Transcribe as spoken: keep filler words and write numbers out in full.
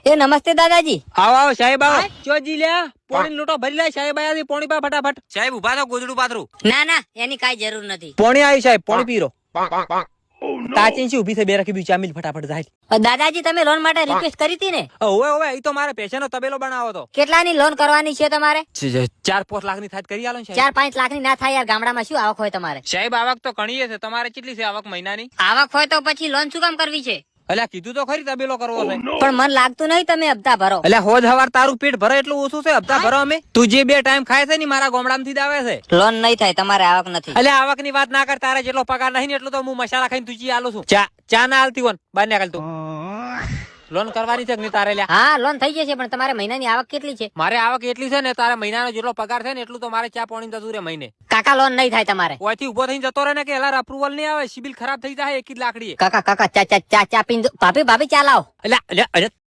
એ નમસ્તે દાદાજી. આવો આવો સાહેબ આવો. ચોજી લ્યા પોણી લોટો ભરી લે સાહેબ આયા પોણી પા ફટાફટ. સાહેબ ઉભા થો ગોદડું પાથરું. ના ના એની કાઈ જરૂર નથી. પોણી આવી સાહેબ પોણી પીરો. તાચી છે ઉભી થઈ બે રાખી બી ચામીલ ફટાફટ જાય. દાદાજી તમે લોન માટે રિક્વેસ્ટ કરી હતી ને? ઓવે ઓવે ઈ તો મારે પૈસાનો તબેલો બનાવો તો. કેટલાની લોન કરવાની છે તમારે? ચાર પાંચ લાખ ની થાય કરી આલો ને સાહેબ. ચાર પાંચ લાખ ની ના થાય યાર, ગામડામાં શું આવક હોય તમારે? સાહેબ આવક તો ઘણી છે, તમારે કેટલી છે આવક મહિનાની? આવક હોય તો પછી લોન શું કામ કરવી છે? અલ્યા કીધું તો ખરી તબેલો કરવો છે. પણ મન લાગતું નહીં તમે હપ્તા ભરો. અલ્યા હોજ હવાર તારું પેટ ભરે એટલું ઓછું છે, હપ્તા ભરો અમે. તું જે બે ટાઈમ ખાય છે ને મારા ગામડામાંથી જ આવે છે. લોન નહીં થાય, તમારે આવક નથી. અલ્યા આવક ની વાત ના કર, તારે જેટલો પગાર નહીં ને એટલું તો હું મસાલા ખાઈને તુજી આલું છું. ચા ચા ના આલતી હોન બાર ને તું લોન કરવાની છે કે નહીં તારે લ્યા? હા લોન થઈ જશે, પણ તમારે મહિનાની આવક કેટલી છે? મારે આવક એટલી છે ને, તારે મહિનાનો જેટલો પગાર છે ને એટલું તો મારે ચા પાણી જતું રે મહિને. કાકા લોન નહીં થાય તમારે. ઓયથી ઉભો થઈને જતો રહે ને કે એલાર અપ્રુવલ નહીં આવે, સિબિલ ખરાબ થઈ જાય એક જ લાકડી. કાકા કાકા ચા ચા ચા ચા પીન દો. ભાભી ભાભી ચા લાવો. અલ્યા અલ્યા અલ્યા